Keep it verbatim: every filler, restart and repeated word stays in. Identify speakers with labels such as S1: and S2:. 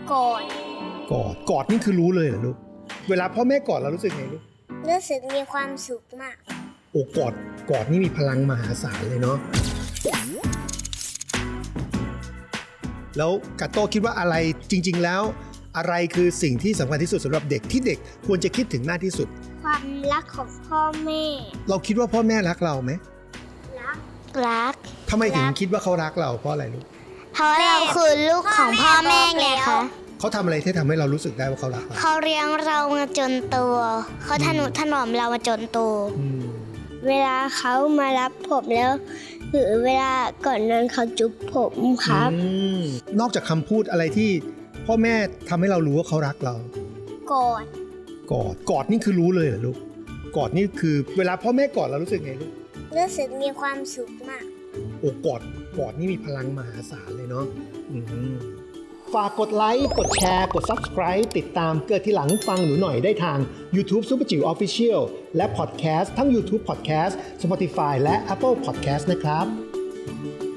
S1: กอด
S2: กอดกอดนี่คือรู้เลยเหรอลูกเวลาพ่อแม่กอดเรารู้สึกไงลูก
S1: รู้สึกมีความสุขมาก
S2: โอ้กอดกอดนี่มีพลังมหาศาลเลยเนาะแล้วกาโต้คิดว่าอะไรจริงๆแล้วอะไรคือสิ่งที่สำคัญที่สุดสำหรับเด็กที่เด็กควรจะคิดถึงมากที่สุด
S1: ความรักของพ่อแม่
S2: เราคิดว่าพ่อแม่รักเราไหม
S1: รักรัก
S2: ทำไมถึงคิดว่าเขารักเราเพราะอะไรลูก
S1: เพราะเราคือลูกของพ่อแม่ไงคะ
S2: เขาทำอะไรที่ทำให้เรารู้สึกได้ว่าเขารักเรา
S1: เขาเลี้ยงเรามาจนโตเขาทนุถนอมเรามาจนโตเวลาเขามารับผมแล้วหรือเวลาก่อนนั้นเขาจุ๊บผมครับ
S2: นอกจากคำพูดอะไรที่พ่อแม่ทำให้เรารู้ว่าเขารักเรา
S1: กอด
S2: กอดกอดนี่คือรู้เลยเหรอลูกกอดนี่คือเวลาพ่อแม่กอดเรารู้สึกไงลูก
S1: รู้สึกมีความสุขมาก
S2: โอ้กอดกอดนี่มีพลังมหาศาลเลยเนาะฝากกดไลค์กดแชร์กด Subscribe ติดตามเกิดทีหลังฟังหนูหน่อยได้ทาง YouTube Super จิ๋ว Official และ Podcast ทั้ง YouTube Podcast Spotify และ Apple Podcast นะครับ